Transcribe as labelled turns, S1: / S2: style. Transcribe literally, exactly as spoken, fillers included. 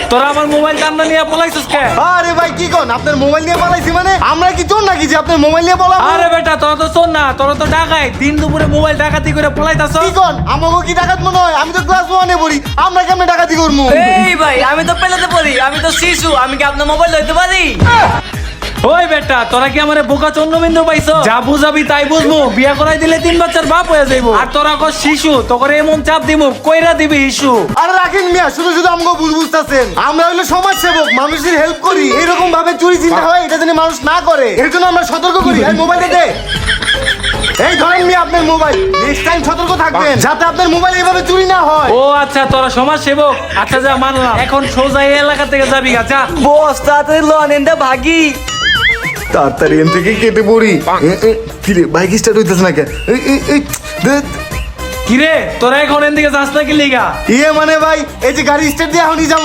S1: তোরা আমার মোবাইল কামনা নিয়ে পলাইছিস কে?
S2: আরে ভাই কি কোন আপনার মোবাইল নিয়ে পালাইছি মানে আমরা কি চোর নাকি যে আপনার মোবাইল নিয়ে পালাবো?
S1: আরে বেটা তোরা তো শোন না, তোরা তো ডাকাই দিন দুপুরে মোবাইল ডাকাতি করে পলাইতাছ।
S2: কি কোন আমাকে কি ডাকাত মনে হয়? আমি তো ক্লাস ওয়ানে পড়ি, আমরা কেমনে ডাকাতি করবো?
S3: এই ভাই আমি তো পেলাতে পড়ি, আমি তো শিশু, আমি কি আপনার মোবাইল লইতে পারি?
S1: ওই বেটা তোরা কি আমারে বোকা চন্দ্রবিন্দু পাইছো? যা বুঝাবি তাই বুঝবো, বিয়া করাই দিলে তিন বাচ্চার বাপ হয়ে যাইবো। আর তোরা কো শিশু, তোরে এমন চাপ দিমু কইরা দিবি ইস্যু।
S2: আরে রাখেন মিয়া, শুধু শুধু আমাকে বুঝ বুঝতেছেন। আমরা হইলো সমাজ সেবক, মানুষের হেল্প করি। এরকম ভাবে চুরি চিন্তা হয় এটা যেন মানুষ না করে, এর জন্য আমরা সতর্ক করি। এই মোবাইলটা দে। এই ধরেন মিয়া আপনার মোবাইল, নেক্সট টাইম সতর্ক থাকবেন যাতে আপনার মোবাইল এইভাবে চুরি না হয়।
S1: ও আচ্ছা তোরা সমাজ সেবক, আচ্ছা যা মানলাম। এখন সোজা এই এলাকা থেকে যাবি গা, যা।
S3: বস তাড়াতাড়ি লন এন্ডা ভাগি।
S2: তাড়াতাড়ি এন থেকে কেটে পড়ি। কিরে বাইক স্টার্ট হইতেছে না কে?
S1: কিরে তোরা এখন এদিকে যাস না কি লিগা?
S2: ইয়ে মানে ভাই এই যে গাড়ি স্টার্ট দিয়ে এখনই যাবো।